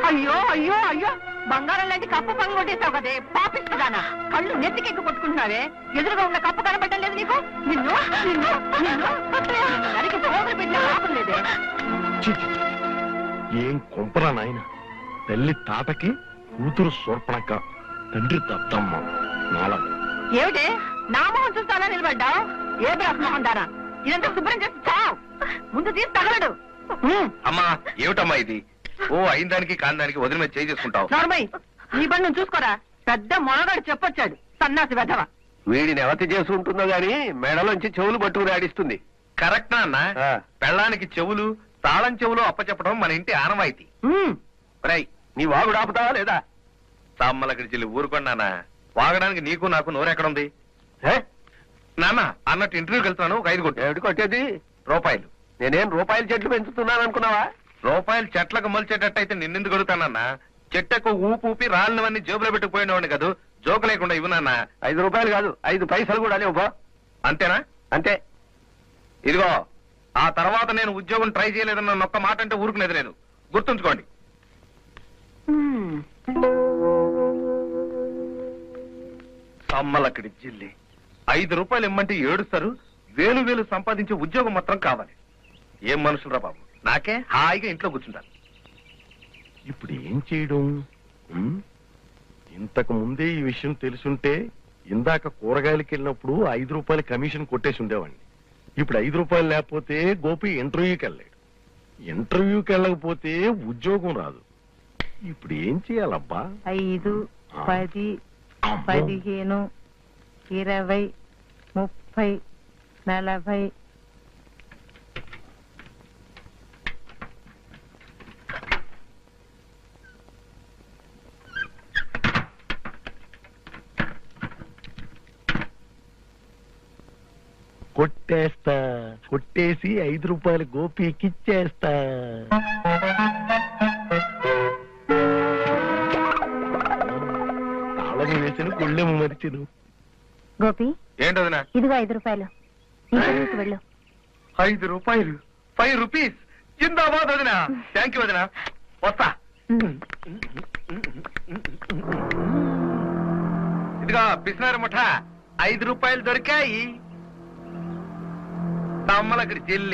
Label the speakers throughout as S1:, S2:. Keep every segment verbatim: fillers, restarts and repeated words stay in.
S1: అయ్యో అయ్యో అయ్యో బంగారం లాంటి కప్పు పని కొట్టేసావు కదే పాపిస్తుదానా కళ్ళు నెత్తికెక్కి కొట్టుకుంటున్నావే ఎదురుగా ఉన్న కప్పు కనబడ్డం లేదు నీకు నిన్ను నిన్ను నిన్ను నరికి సోదరు పెట్టిన లాభం లేదే
S2: ఏం కొంపరా నాయన తల్లి తాతకి కూతురు సోర్పణక్క తండ్రి దత్తమ్మ నాలం
S1: ఏమిటి నా మొహం చూస్తానా నిలబడ్డావు ఏ బ్రహ్మోహం దానా ఇదంతా శుభ్రం చేసి చావు ముందు తీసి తగలడు
S3: అమ్మా ఏమిటమ్మా ఇది ఓ అయిన దానికి కాని దానికి వదిలి మీద చేయి చేసుకుంటావు
S1: నార్మల్ నీ పని నువ్వు చూసుకోరా పెద్ద మొనగాడు చెప్పొచ్చాడు సన్నాసి వెధవ
S3: వీడిని ఎవతి చేసుకుంటుందో గాని మెడలోంచి చెవులు పట్టుకుని ఆడిస్తుంది కరెక్ట్ అన్న పెళ్ళానికి చెవులు తాళం చెవులు అప్పచెప్పడం మన ఇంటి ఆనవాయితీ రై నీ వాగుడు ఆపుతావా లేదా తమ్మలక్కడి చెల్లి ఊరుకున్నానా వాగడానికి నీకు నాకు నోరెక్కడుంది నాన్న అన్నట్టు ఇంటర్వ్యూకి వెళ్తున్నాను ఒక ఐదు కొట్టు ఏమిటి కొట్టేది రూపాయలు నేనేం రూపాయల చెట్లు పెంచుతున్నాను అనుకున్నావా రూపాయలు చెట్లకు మొలిచేటట్టయితే నిన్నెందుకు అడుగుతానన్నా చెట్టకు ఊపు ఊపి రాళ్ళవన్నీ జేబులో పెట్టుకుపోయినవాడిని కాదు జోకు లేకుండా ఇవ్వనన్నా ఐదు రూపాయలు కాదు ఐదు పైసలు కూడా లేవు అంతేనా అంతే ఇదిగో ఆ తర్వాత నేను ఉద్యోగం ట్రై చేయలేదన్న ఒక్క మాట అంటే ఊరుకునేది లేదు గుర్తుంచుకోండి అమ్మలక్కడి జిల్లి ఐదు రూపాయలు ఇమ్మంటే ఏడుస్తారు వేలు వేలు సంపాదించే ఉద్యోగం మాత్రం కావాలి ఏం మనుషులరా బాబు నాకే హాయిగా ఇంట్లో కూర్చుంటాను
S2: ఇప్పుడు ఏం చేయడం ఇంతకు ముందే ఈ విషయం తెలుసుంటే ఇందాక కూరగాయలకి వెళ్ళినప్పుడు ఐదు రూపాయల కమిషన్ కొట్టేసి ఉండేవాడిని ఇప్పుడు ఐదు రూపాయలు లేకపోతే గోపి ఇంటర్వ్యూకి వెళ్ళాడు ఇంటర్వ్యూకి వెళ్ళకపోతే ఉద్యోగం రాదు ఇప్పుడు ఏం చేయాలబ్బా
S1: ఐదు పది పదిహేను ఇరవై ముప్పై నలభై
S2: కొట్టేస్తా కొట్టేసి ఐదు రూపాయలు గోపికిచ్చేస్తా తాళం వేసిన గుళ్ళెము మరిచిను
S4: గోపి
S3: ఏంటదినా
S4: ఇదిగో ఐదు రూపాయలు వెళ్ళు
S3: ఐదు రూపాయలు ఫైవ్ రూపీస్ జిందాబాద్ వదినా థ్యాంక్ యూ వదినా వస్తా ఇదిగా పిసినారు ముఠ ఐదు రూపాయలు దొరికాయి తమ్మలక్కడి చెల్లి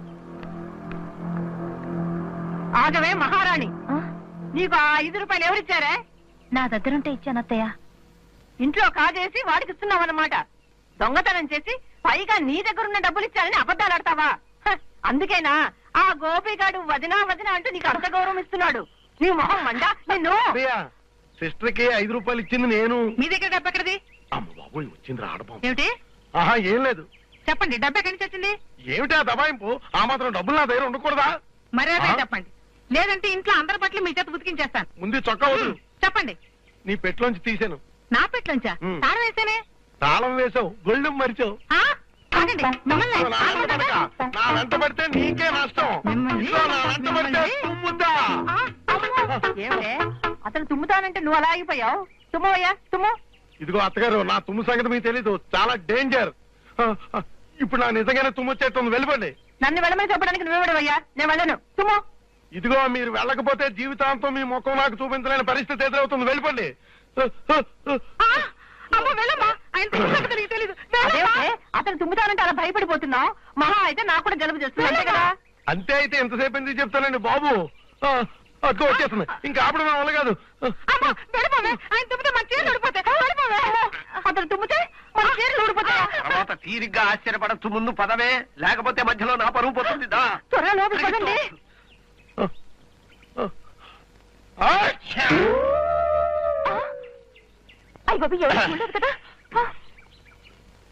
S1: ఆగవే మహారాణి నీకు ఆ ఐదు రూపాయలు ఎవరిచ్చారే
S4: నా దగ్గరుంటే ఇచ్చాను అత్తయ్య
S1: ఇంట్లో కాజేసి వాడికి ఇస్తున్నావన్నమాట దొంగతనం చేసి పైగా నీ దగ్గరున్న డబ్బులు ఇచ్చారని అబద్ధాలు ఆడతావా అందుకేనా ఆ గోపిగాడు వదినా వదినా అంటూ నీకు అంత గౌరవం ఇస్తున్నాడు నీ మొహం మండా నిన్ను
S2: సిస్టర్ కి ఐదు రూపాయలు ఇచ్చింది నేను
S1: మీ దగ్గర డబ్బు ఎక్కడిది
S2: అమ్మ బాబోయ్ వచ్చింది రావడం
S1: ఏమిటి
S2: ఆహా ఏం లేదు
S1: చెప్పండి డబ్బు ఎక్కడి నుంచి వచ్చింది
S2: ఏమిటా దబాయింపు ఆ మాత్రం డబ్బులు నా దగ్గర ఉండకూడదా
S1: మర్యాద చెప్పండి లేదంటే ఇంట్లో అందరి పట్ల మీ చేత ఉతికించేస్తాను
S2: ముందు చొక్కా వదులు
S1: చెప్పండి
S2: నీ పెట్లోంచి తీసాను
S1: నా పెట్లోంచా తాళం వేసేనే
S2: తాళం వేసావు గొళ్ళెం మరిచావు నా వెంట పడితే నీకే నష్టం నా వెంట పడితే తుమ్ముద్దా
S1: ఏమిటే అతను తుమ్ముతానంటే నువ్వు అలా ఆగిపోయావు తుమ్మవయ్యా తుమ్ము
S2: ఇదిగో అత్తగారు నా తుమ్ము సంగతి మీకు తెలీదు చాలా డేంజర్ ఇప్పుడు నా నిజంగానే తుమ్ము వచ్చేస్తుంది వెళ్ళిపోండి
S1: నన్ను వెళ్ళమని చెప్పడానికి నువ్వు వెళ్ళవయ్యా నేను వెళ్ళను తుమ్ము
S2: ఇదిగో మీరు వెళ్ళకపోతే జీవితాంతం మీ ముఖం నాకు చూపించలేని పరిస్థితి ఎదురవుతుంది వెళ్ళిపోండి
S1: అతను తుమ్ముతానంటే అలా భయపడిపోతున్నావు మహా అయితే నాకు కూడా జలుబు చేస్తుంది అంతే కదా
S2: అంతే అయితే ఎంతసేపు ఎందుకు చెప్తానండి బాబు అదిగో వచ్చేస్తుంది ఇంకా ఆపడం వల్ల కాదు
S1: అతను తుమ్మితే మన చీరలు ఊడిపోతాయి
S3: తర్వాత తీరిగ్గా ఆశ్చర్యపడచ్చు ముందు పదవే లేకపోతే మధ్యలో నా పరువు పోతుంది
S1: త్వరగా లోపలికి పదండి అయ్య బాబు ఎవరు ఉండదు కదా